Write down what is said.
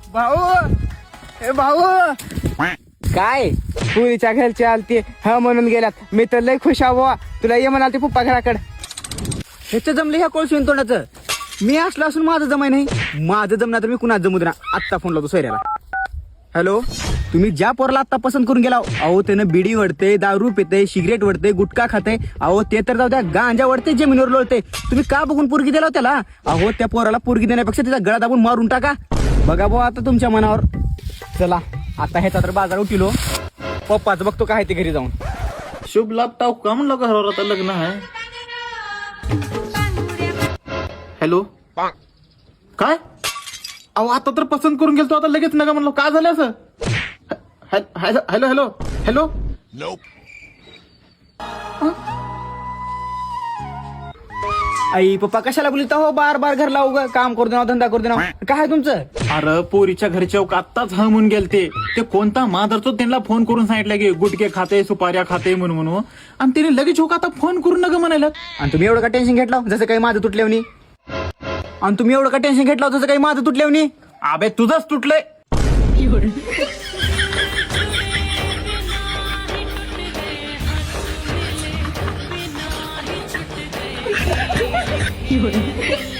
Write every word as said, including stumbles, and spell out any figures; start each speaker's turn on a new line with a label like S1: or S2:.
S1: भाऊ ए भाऊ काय पुरीच्या घरचे आलते हा म्हणून गेल्यात मी तर लय खुश आहो तुला ये म्हणाल ते पप्पा घराकडे ह्याचं जमलं ह्या कोळसून तोंडाचं मी असलं असून माझं जमाय नाही माझं जमणार तर मी कुणाच जमू देणार आत्ता फोन लावतो सोयऱ्याला. हॅलो तुम्ही ज्या पोराला आत्ता पसंत करून गेला अहो त्यानं बिडी वडते दारू पिते सिगरेट वडते गुटखा खाते अहो ते तर जाऊ द्या गांजा वडते जमिनीवर लोळते तुम्ही का बघून पोरगी दिला त्याला अहो त्या पोराला पोरगी देण्यापेक्षा तिचा गळा दाबून मारून टाका बघा भाऊ आता तुमच्या मनावर. चला आता ह्याचा तर बाजार उठिलो पप्पाच बघतो काय ते घरी जाऊन.
S2: शुभ लाभ टाव का म्हणलं घरावर आता लग्न आहे. हॅलो काय अहो आता तर पसंत करून गेलतो आता लगेच नका म्हणलो का झालं असं. हॅलो हॅलो हॅलो हॅलो
S1: आई पप्पा कशाला बोलता हो बार बार घर लावू ग काम करू देणार धंदा करू देणार काय तुमचं.
S2: अरे पोरीच्या घरच्या आत्ताच हा म्हणून गेलते ते कोणता माधरचो त्यांना फोन करून सांगितलं की गुटके खाते सुपाऱ्या खाते म्हणून म्हणून आणि त्याने लगेच होका आता फोन करून नका म्हणायला.
S1: आणि तुम्ही एवढं का टेन्शन घेतलं जसं काही माझं तुटल्यावनी आणि तुम्ही एवढं का टेन्शन घेतलं जसं काही माझं तुटल्यावनी.
S2: अबे तुझंच तुटलंय.
S3: You're